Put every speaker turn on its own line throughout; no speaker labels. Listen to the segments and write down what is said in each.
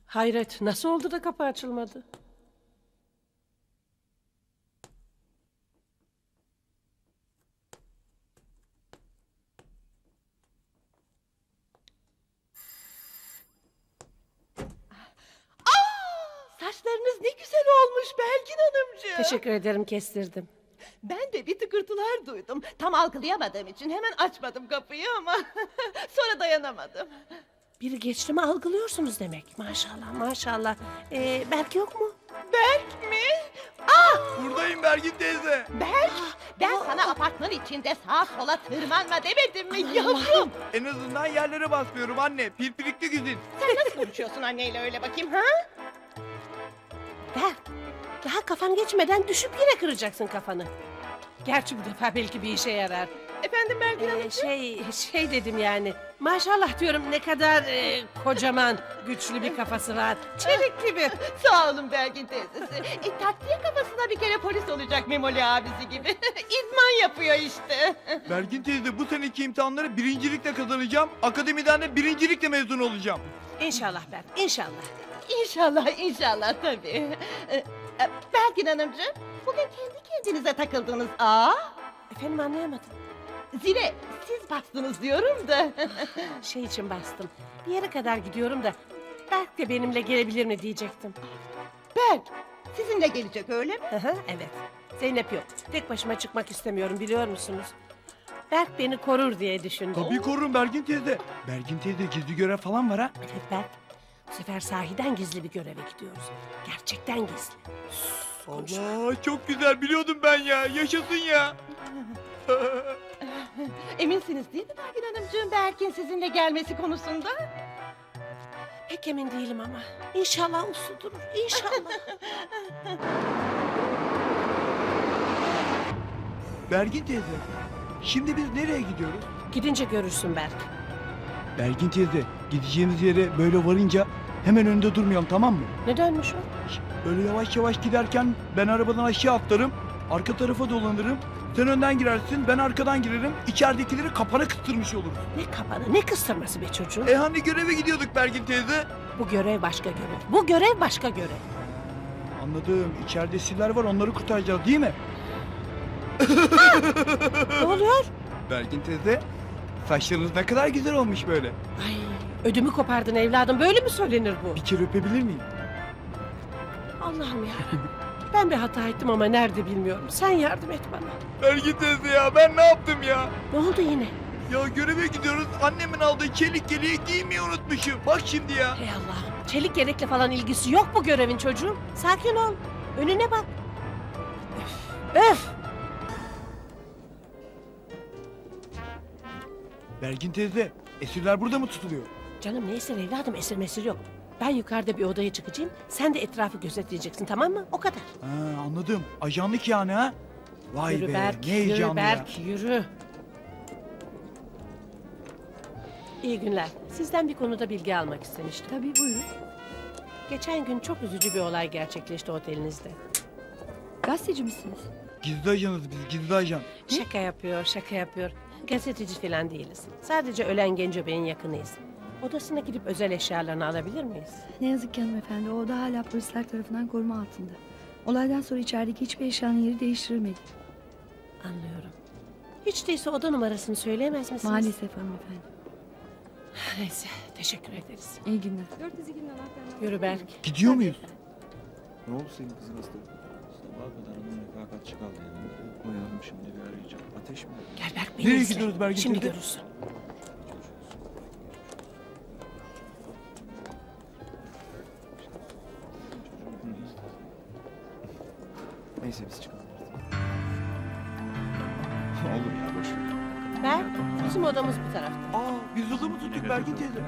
Hayret, nasıl oldu da kapı açılmadı?
Saçlarınız ne güzel olmuş Belgin Hanımcığım.
Teşekkür ederim, kestirdim.
Ben de bir tıkırtılar duydum. Tam algılayamadığım için hemen açmadım kapıyı ama sonra dayanamadım.
Biri geçti mi algılıyorsunuz demek. Maşallah, maşallah. Berk yok mu?
Berk mi?
Buradayım Bergin teyze.
Berk, ben sana apartman içinde sağa sola tırmanma demedim mi yavrum?
En azından yerlere basmıyorum anne. Pirpirikli güzin.
Sen nasıl konuşuyorsun anneyle öyle bakayım ha?
Berk, daha kafan geçmeden düşüp yine kıracaksın kafanı. Gerçi bu defa belki bir işe yarar.
Efendim Belgin Hanım?
Şey dedim yani. Maşallah diyorum, ne kadar kocaman, güçlü bir kafası var. Çelik gibi.
Sağ olun Belgin teyzesi. Takviye kafasına bir kere polis olacak Memoli abisi gibi. İdman yapıyor işte.
Bergin teyze bu seneki imtihanları birincilikle kazanacağım. Akademiden de birincilikle mezun olacağım.
İnşallah Berk, inşallah.
İnşallah, inşallah tabii. Belgin Hanımcığım, bugün kendi kendinize takıldınız.
Efendim, anlayamadım.
Zile siz bastınız diyorum da.
Şey için bastım. Bir yere kadar gidiyorum da Berk de benimle gelebilir mi diyecektim.
Berk, sizinle gelecek öyle mi?
Evet. Zeynep yok. Tek başıma çıkmak istemiyorum, biliyor musunuz? Berk beni korur diye düşündüm.
Tabii korurum Bergin teyze. Bergin teyze gizli görev falan var ha.
Evet Berk. Bu sefer sahiden gizli bir göreve gidiyoruz. Gerçekten gizli.
Allah çok güzel biliyordum ben ya. Yaşasın ya.
Eminsiniz değil mi Belgin Hanımcığım Berk'in sizinle gelmesi konusunda?
Pek emin değilim ama. İnşallah uslu durur. İnşallah.
Bergin teyze. Şimdi biz nereye gidiyoruz?
Gidince görürsün Berk.
Bergin teyze gideceğimiz yere böyle varınca hemen önünde durmayalım, tamam mı?
Nedenmiş o?
Böyle yavaş yavaş giderken ben arabadan aşağı atlarım. Arka tarafa dolanırım. Sen önden girersin, ben arkadan girerim. İçeridekileri kapana kıstırmış oluruz.
Ne kapanı, ne kıstırması be çocuğum.
Hani göreve gidiyorduk Bergin teyze?
Bu görev başka görev. Bu görev başka görev.
Anladım. İçeride esirler var, onları kurtaracağız değil mi?
Ne oluyor?
Bergin teyze, saçlarınız ne kadar güzel olmuş böyle.
Ay, ödümü kopardın evladım. Böyle mi söylenir bu?
Bir kere öpebilir miyim?
Allah'ım ya. Ben bir hata ettim ama nerede bilmiyorum. Sen yardım et bana.
Bergin teyze ya, ben ne yaptım ya?
Ne oldu yine?
Ya göreve gidiyoruz, annemin aldığı çelik yeleği giymeyi unutmuşum. Bak şimdi ya.
Hey Allah'ım. Çelik yelekle falan ilgisi yok bu görevin çocuğum. Sakin ol. Önüne bak. Öf. Öf.
Bergin teyze, esirler burada mı tutuluyor?
Canım, ne esir evladım, esir mesir yok. Ben yukarıda bir odaya çıkacağım. Sen de etrafı gözetleyeceksin, tamam mı? O kadar.
Ha, anladım. Ajanlık yani ha? Vay
Yürü
be,
Berk,
ne heyecanlı
yürü
ya.
Berk, yürü. İyi günler. Sizden bir konuda bilgi almak istemiştim.
Tabii buyurun.
Geçen gün çok üzücü bir olay gerçekleşti otelinizde.
Gazeteci misiniz?
Gizli ajanız biz, gizli ajan.
Şaka yapıyor, şaka yapıyor. Gazeteci falan değiliz. Sadece ölen Genco Bey'in yakınıyız. Odasına gidip özel eşyalarını alabilir miyiz?
Ne yazık ki hanımefendi, o da hala polisler tarafından koruma altında. Olaydan sonra içerideki hiçbir eşyanın yeri değiştirilmedi.
Anlıyorum. Hiç değilse oda numarasını söyleyemez misiniz?
Maalesef hanımefendi.
Neyse, teşekkür ederiz.
İyi günler.
Yürü Berk.
Gidiyor muyuz?
Ne oldu senin kızın hasta? Sabaha kadar onun refakatçi kaldı yanında. Uyandım şimdi bir arayacağım. Ateş mi?
Gel Berk,
Nereye
beni izle.
gidiyoruz Bergin
Şimdi
teyze?
görürsün.
Neyse biz çıkalım. Olur ya boş ver.
Berk, bizim odamız bu tarafta.
Aa, biz yolu mu tuttuk Bergin teyze?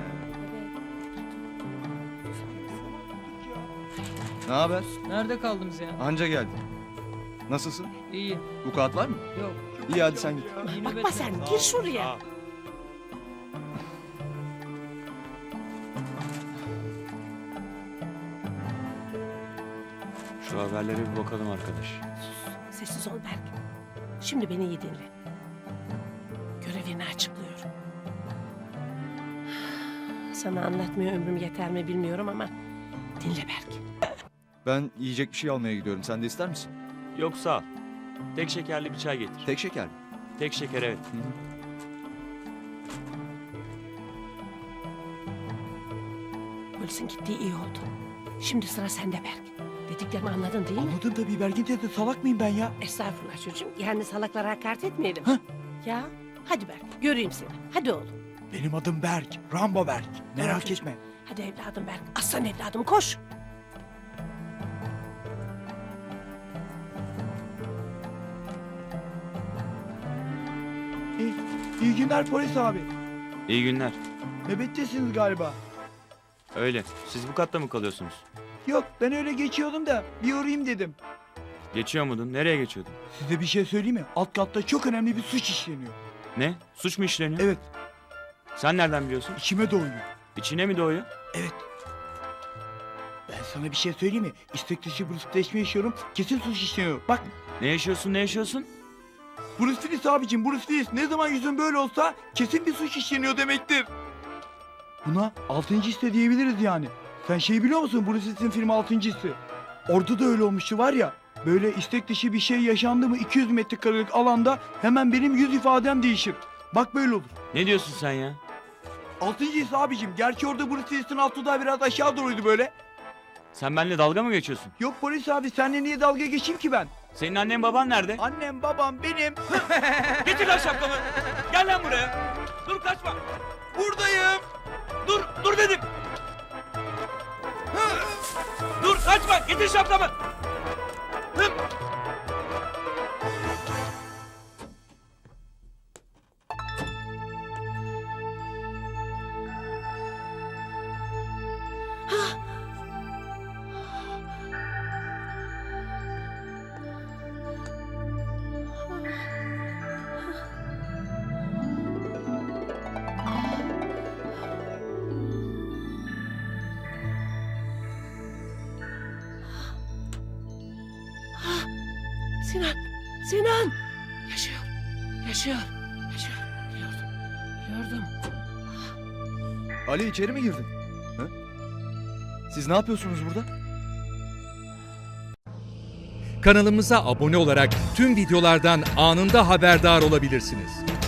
Ne haber?
Nerede kaldınız ya?
Anca geldin. Nasılsın?
İyi.
Vukuat var mı?
Yok.
İyi hadi sen git.
İyi
Bakma
nöbetler.
sen, gir şuraya.
Şu haberlere bir bakalım arkadaş.
Sessiz ol Berk. Şimdi beni iyi dinle. Görevini açıklıyorum. Sana anlatmaya ömrüm yeter mi bilmiyorum ama Dinle Berk.
Ben yiyecek bir şey almaya gidiyorum. Sen de ister misin?
Yok sağ ol. Tek şekerli bir çay getir.
Tek şeker mi?
Tek şeker evet.
Polisin gittiği iyi oldu. Şimdi sıra sende Berk. Dediklerimi anladın değil mi?
Anladım tabii Bergin teyze, salak mıyım ben ya?
Estağfurullah çocuğum. Yani salaklara hakaret etmeyelim.
Hah.
Ya hadi Berk göreyim seni. Hadi oğlum.
Benim adım Berk, Rambo Berk. Merak
çocuğum.
etme.
Hadi evladım Berk. Aslan evladım koş.
İyi, iyi günler polis abi.
İyi günler.
Nöbettesiniz galiba.
Öyle. Siz bu katta mı kalıyorsunuz?
Yok, ben öyle geçiyordum da bir uğrayayım dedim.
Geçiyor muydun? Nereye geçiyordun?
Size bir şey söyleyeyim mi? Alt katta çok önemli bir suç işleniyor.
Ne? Suç mu işleniyor?
Evet,
Sen nereden biliyorsun?
içime doğuyor.
İçine mi doğuyor?
Evet. Ben sana bir şey söyleyeyim mi? İstek dışı Bruce'leşme yaşıyorum. Kesin suç işleniyor. Bak,
Ne yaşıyorsun ne yaşıyorsun?
Bruce Willis abicim, Bruce Willis. Ne zaman yüzün böyle olsa kesin bir suç işleniyor demektir. Buna 6. hisse diyebiliriz yani. Sen şeyi biliyor musun? Bruce Willis'in filmi 6. hissi. Orada da öyle olmuştu var ya. Böyle istek dışı bir şey yaşandı mı 200 metrekarelik alanda hemen benim yüz ifadem değişir. Bak böyle olur.
Ne diyorsun sen ya?
6. his abicim. Gerçi orada Bruce Willis'in altı da biraz aşağı doğruydu böyle.
Sen benimle dalga mı geçiyorsun?
Yok polis abi, seninle niye dalga geçeyim ki ben?
Senin annen baban nerede?
Annem babam benim.
Getir lan şapkamı. Gel lan buraya. Dur kaçma.
Buradayım.
Dur dedim. Dur kaçma. Getir şapkamı.
Sinan. Sinan. Yaşıyor. Yaşıyor. Yaşıyor. Gördüm.
Ali içeri mi girdin? Ha? Siz ne yapıyorsunuz burada?
Kanalımıza abone olarak tüm videolardan anında haberdar olabilirsiniz.